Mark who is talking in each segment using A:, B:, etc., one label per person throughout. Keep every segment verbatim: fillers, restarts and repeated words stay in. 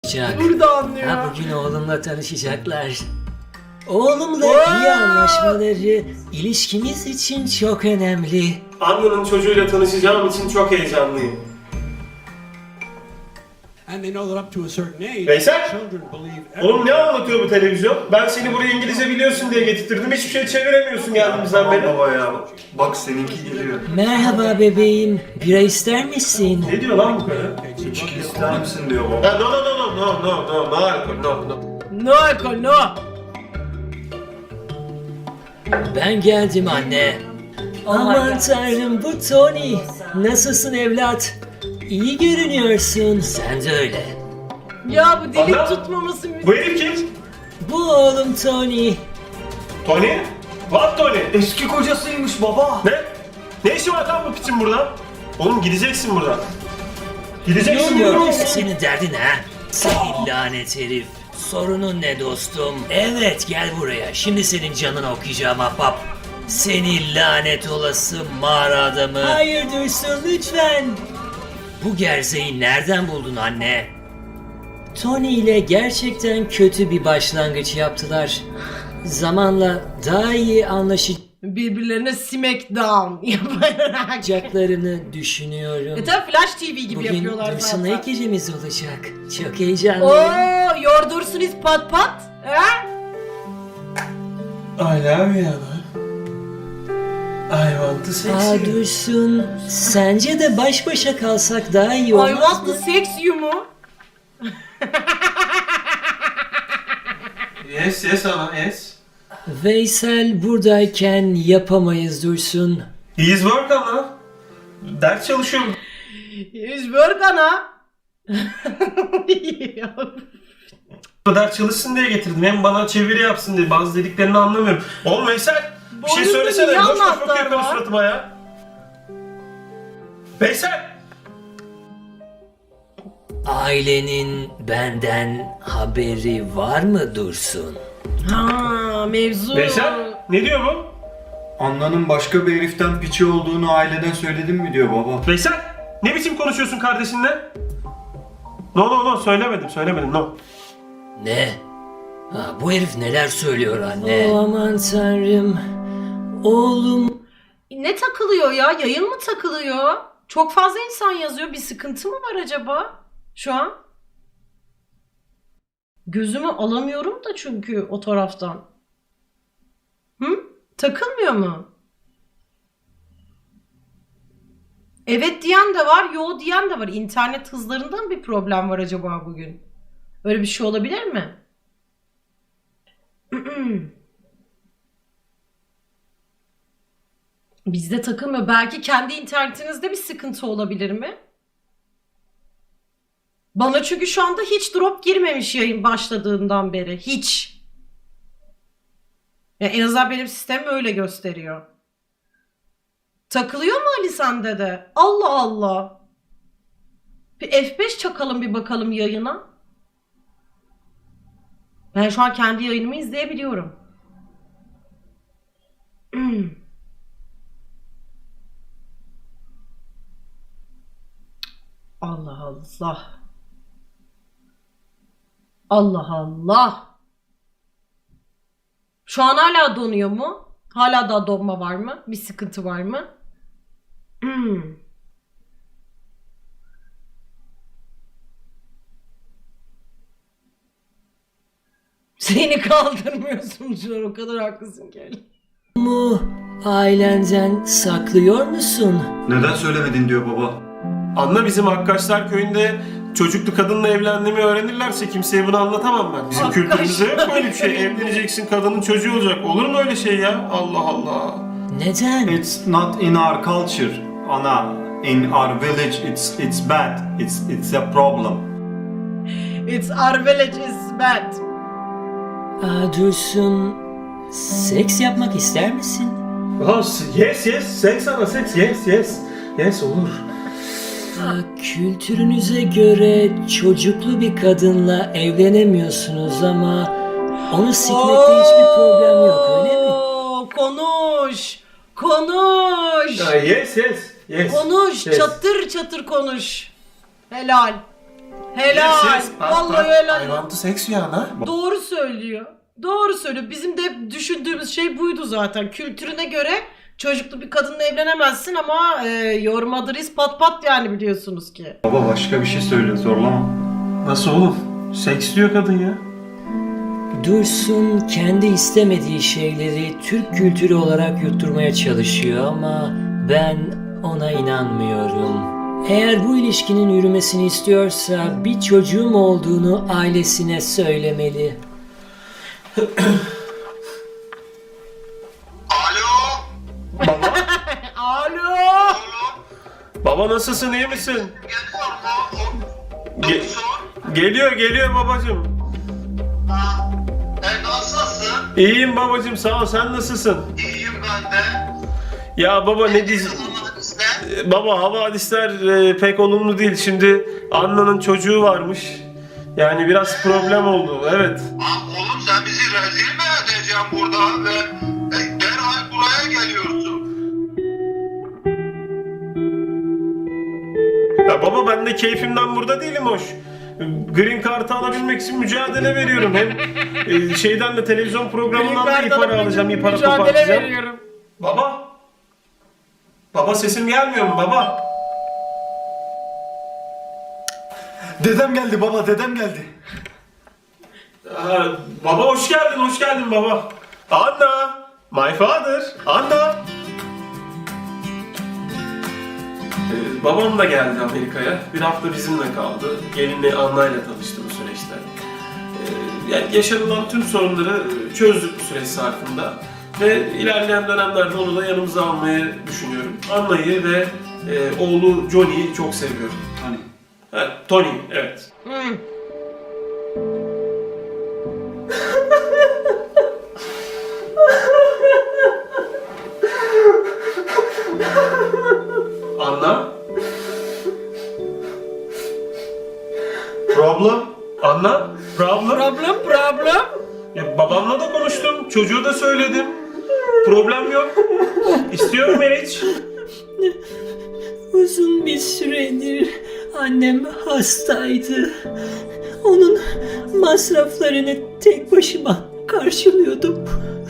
A: konuşacak.
B: Burada anlıyor.
A: Ha, bugün oğlumla tanışacaklar. Oğlumla iyi anlaşmaları ilişkimiz için çok önemli.
C: Anna'nın çocuğuyla tanışacağım için çok heyecanlıyım.
D: And they know that up to a certain age,
C: Veysel!
D: children believe
C: Oğlum ne anlatıyor bu televizyon? Ben seni buraya İngilizce biliyorsun diye getirttirdim. Hiçbir şey çeviremiyorsun geldiğimizden beri.
E: Baba ya. Bak seninki geliyor.
A: Merhaba bebeğim, bira ister misin?
C: Ne diyor lan bu karı?
E: İçki ister misin diyor baba.
C: Ha, no no no no no no no no alkol no no.
B: No alkol no.
A: Ben geldim anne. Aman tanrım, bu Tony. Nasılsın evlat? İyi görünüyorsun. Sen de öyle.
B: Ya bu dilik
C: Ana,
B: tutmaması mü?
C: Bu herif kim?
A: Bu oğlum Tony.
C: Tony? What Tony?
E: Eski kocasıymış baba.
C: Ne? Ne işi var lan bu piçin burada? Oğlum gideceksin buradan. Gideceksin
A: Yok,
C: buradan.
A: senin derdin ha? Senin lanet herif. Sorunun ne dostum? Evet, gel buraya. Şimdi senin canını okuyacağım ahbap. Seni lanet olası mağara adamı. Hayır Dursun, lütfen. Bu gerzeyi nereden buldun anne? Tony ile gerçekten kötü bir başlangıç yaptılar. Zamanla daha iyi
B: Birbirlerine smackdown yaparak.
A: anlaşacaklarını düşünüyorum.
B: E tabi Flash T V gibi
A: Bugün
B: yapıyorlar
A: Dursun'la ilk
B: zaten.
A: gecemiz olacak. Çok heyecanlıyım.
B: Oo, yordursunuz pat pat. Ha?
C: I love you. I want to sex
A: Aa
C: you.
A: Dursun, sence de baş başa kalsak daha iyi
B: I
A: olmaz
B: want
A: mı?
B: to sex you mu?
C: Yes yes ana yes.
A: Veysel buradayken yapamayız Dursun.
C: He is work ana. Ders çalışıyorum.
B: Yüz work ana.
C: Bu kadar çalışsın diye getirdim. Hem bana çeviri yapsın diye. Bazı dediklerini anlamıyorum. Oğlum Veysel bir şey
B: Boynunda
C: söylesene.
B: niye
C: Boş boş
B: anahtar
C: bakıyor karı
B: var?
C: suratıma ya. Veysel!
A: Ailenin benden haberi var mı Dursun?
B: Ha, mevzu.
C: Veysel ne diyor bu?
E: Anna'nın başka bir heriften piçi olduğunu aileden söyledin mi diyor baba.
C: Veysel ne biçim konuşuyorsun kardeşinle? No no no söylemedim söylemedim no.
A: Ne? Ha, bu herif neler söylüyor anne? Oh, aman tanrım. Oğlum.
B: Ne takılıyor ya? Yayın mı takılıyor? Çok fazla insan yazıyor. Bir sıkıntı mı var acaba? Şu an. Gözümü alamıyorum da çünkü o taraftan. Hı? Takılmıyor mu? Evet diyen de var, yo diyen de var. İnternet hızlarından bir problem var acaba bugün? Öyle bir şey olabilir mi? Bizde takılmıyor. Belki kendi internetinizde bir sıkıntı olabilir mi? Bana çünkü şu anda hiç drop girmemiş yayın başladığından beri. Hiç. Ya en azından benim sistemim öyle gösteriyor. Takılıyor mu Ali sende de? Allah Allah. Bir F beş çakalım bir bakalım yayına. Ben şu an kendi yayınımı izleyebiliyorum. Hmm. Allah Allah. Allah Allah. Şu an hala donuyor mu? Hala da donma var mı? Bir sıkıntı var mı? Hmm. Seni kaldırmıyorsun şu an, o kadar haklısın ki.
A: Mu ailenden saklıyor musun?
E: Neden söylemedin diyor baba.
C: Anla bizim Hakkaşlar köyünde çocuklu kadınla evlendiğimi öğrenirlerse kimseye bunu anlatamam ben. Bizim
B: Hakkaş.
C: kültürümüzde yok böyle bir şey. Evleneceksin kadının çocuğu olacak. Olur mu öyle şey ya? Allah Allah.
A: Neden?
E: It's not in our culture, Ana. In our village, it's it's bad. It's it's a problem.
B: It's our village is bad.
A: Aa, Dursun, seks yapmak ister misin?
C: Oh, yes yes. Seks ana seks. Yes yes. Yes olur.
A: Aa, kültürünüze göre çocuklu bir kadınla evlenemiyorsunuz ama onu sikmekte hiçbir problem yok, öyle mi?
B: Oo, konuş. Konuş.
C: Ya, yes yes. Yes.
B: Konuş.
C: Yes.
B: Çatır çatır konuş. Helal. Helal.
C: Yes, yes. Bak,
B: Vallahi
C: bak.
B: helal.
C: I want to sex you Ana.
B: Doğru söylüyor. Doğru söylüyor. Bizim de hep düşündüğümüz şey buydu zaten. Kültürüne göre çocuklu bir kadınla evlenemezsin ama e, your mother is pat pat yani biliyorsunuz ki.
E: Baba başka bir şey söyle, zorlama.
C: Nasıl oğlum? Seks diyor kadın ya.
A: Dursun kendi istemediği şeyleri Türk kültürü olarak yutturmaya çalışıyor ama ben ona inanmıyorum. Eğer bu ilişkinin yürümesini istiyorsa bir çocuğum olduğunu ailesine söylemeli.
F: Alo.
C: Baba.
B: Alo.
C: Baba nasılsın, iyi misin?
F: Geliyor mu? O
C: Ge-
F: doktor.
C: geliyor geliyor babacım.
F: Ha. E nasılsın?
C: İyiyim babacım, sağ ol, sen nasılsın?
F: İyiyim ben de.
C: Ya baba ne dizi...
F: Işte.
C: Baba havadisler e, pek olumlu değil. Şimdi Anna'nın çocuğu varmış. Yani biraz problem oldu, evet.
F: Aa, oğlum sen bizi rezil mi edeceksin burada ve e, derhal buraya geliyorsun.
C: Ya baba ben de keyfimden burada değilim hoş. Green Card'ı alabilmek için mücadele veriyorum. Hem e, şeyden de televizyon programından da iyi para alacağım, iyi para
B: Mücadele
C: kopartacağım.
B: veriyorum.
C: Baba. Baba sesim gelmiyor mu baba?
E: Dedem geldi baba, dedem geldi.
C: Aa, baba hoş geldin, hoş geldin baba. Anna, my father, Anna. Ee, babam da geldi Amerika'ya. Bir hafta bizimle kaldı. Gelinle Anna'yla tanıştı bu süreçte. Ee, yani yaşanılan tüm sorunları çözdük bu süreç zarfında. Ve ilerleyen dönemlerde onu da yanımıza almayı düşünüyorum. Anna'yı ve e, oğlu Johnny'yi çok seviyorum.
E: Hani?
C: Ha, Tony, evet.
B: Hı.
C: Anna,
E: Problem?
C: Anna, problem.
B: Problem problem.
C: Ya babamla da konuştum, çocuğu da söyledim. Problem yok. İstiyorum Meriç.
A: Uzun bir süredir annem hastaydı. Onun masraflarını tek başıma karşılıyordum.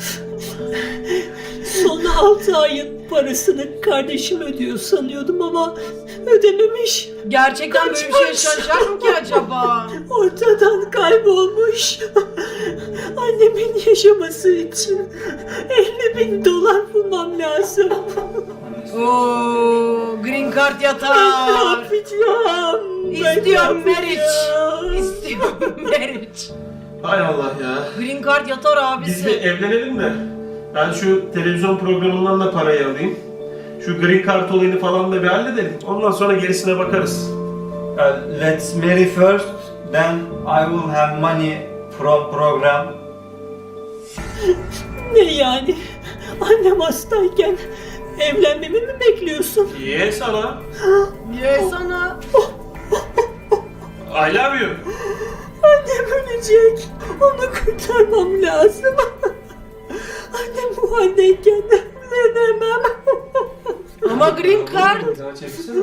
A: Son altı ayın parasını kardeşim ödüyor sanıyordum ama ödememiş.
B: Gerçekten böyle bir şey yaşanacak mı ki acaba?
A: Ortadan kaybolmuş. Annemin yaşaması için elli bin dolar bulmam lazım.
B: Oo, green card
A: Ne
B: yatar.
A: yapacağım? Ben
B: İstiyorum
A: ne
B: marriage.
A: yapacağım?
B: İstiyorum marriage.
C: Hay Allah ya.
B: Green card yatar
C: Biz bir
B: abisi.
C: evlenelim de. Ben şu televizyon programından da parayı alayım. Şu green card olayını falan da bir halledelim. Ondan sonra gerisine bakarız.
E: Uh, let's marry first, then I will have money from program.
A: Ne yani? Annem hastayken evlenmemi mi bekliyorsun?
C: Ye sana.
B: Ye sana.
C: I love you.
A: Annem ölecek. Onu kurtarmam lazım. Annem bu haldeyken evlenemem.
B: Ama green card.
C: Daha çeksene.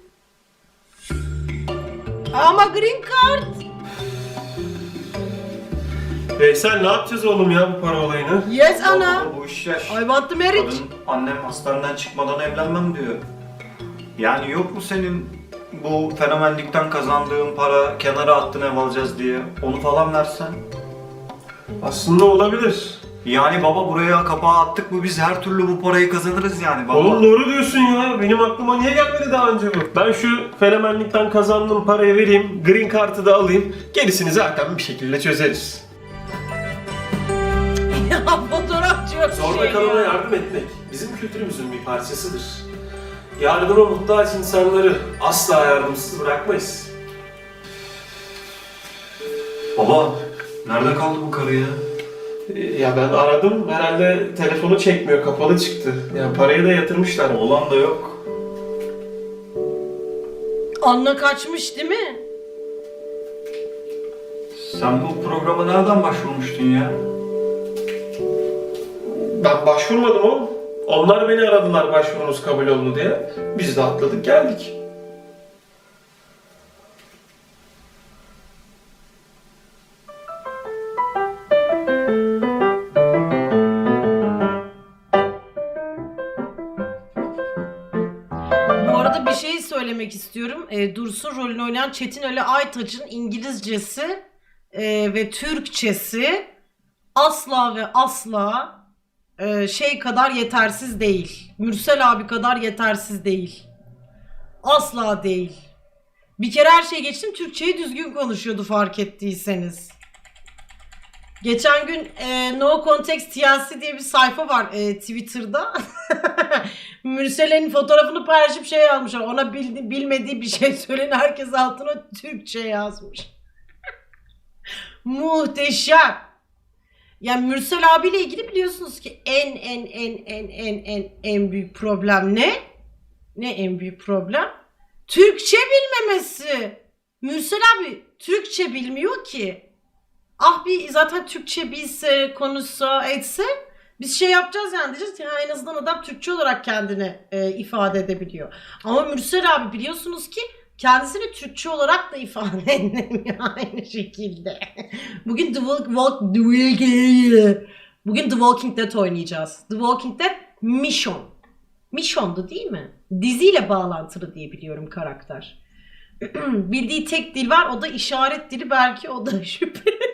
B: Ama green card.
C: Veysel ne yapacağız oğlum ya bu para olayını?
B: Yes ana.
E: Baba, bu iş yaş.
B: I want the marriage.
E: Kadın annem hastaneden çıkmadan evlenmem diyor. Yani yok mu senin bu fenomenlikten kazandığın para kenara attın ev alacağız diye onu falan versen?
C: Aslında olabilir.
E: Yani baba buraya kapağı attık mı biz her türlü bu parayı kazanırız yani baba.
C: Oğlum doğru diyorsun ya. Benim aklıma niye gelmedi daha önce bu? Ben şu fenomenlikten kazandığım parayı vereyim. Green Card'ı da alayım. Gerisini zaten bir şekilde çözeriz.
B: Ya fotoğrafçı yok
C: Zorda
B: şey
C: kalana
B: ya.
C: yardım etmek bizim kültürümüzün bir parçasıdır. Yardıma muhtaç insanları asla yardımsız bırakmayız.
E: Baba nerede kaldı bu karı ya?
C: Ee, Ya ben aradım, herhalde telefonu çekmiyor, kapalı çıktı. Yani parayı da yatırmışlar.
E: Oğlan da yok.
B: Anla kaçmış değil mi?
E: Sen bu programa nereden başvurmuştun ya?
C: Ben başvurmadım oğlum. Onlar beni aradılar başvurunuz kabul oldu diye. Biz de atladık geldik.
B: söylemek istiyorum. E, Dursun rolünü oynayan Çetin Ali Aytaç'ın İngilizcesi e, ve Türkçesi asla ve asla e, şey kadar yetersiz değil. Mürsel abi kadar yetersiz değil. Asla değil. Bir kere her şeyi geçtim, Türkçeyi düzgün konuşuyordu fark ettiyseniz. Geçen gün e, No Context T L C diye bir sayfa var e, Twitter'da. Mürsel'in fotoğrafını paylaşıp şey yazmışlar. Ona bildi, bilmediği bir şey söyleyin, herkes altına Türkçe yazmış. Muhteşem. Yani Mürsel abiyle ilgili biliyorsunuz ki en en en en en en en büyük problem ne? Ne en büyük problem? Türkçe bilmemesi. Mürsel abi Türkçe bilmiyor ki. Ah bir zaten Türkçe bilse, konuşsa, etse biz şey yapacağız yani, diyeceğiz ya en azından adam Türkçe olarak kendini e, ifade edebiliyor. Ama Mürsel abi biliyorsunuz ki kendisini Türkçe olarak da ifade edemiyor aynı şekilde. Bugün The Walk, Walk The Walking Bugün The Walking Dead oynayacağız. The Walking Dead Mission. Mission'du değil mi? Diziyle bağlantılı diye biliyorum karakter. Bildiği tek dil var, o da işaret dili, belki o da şüphe.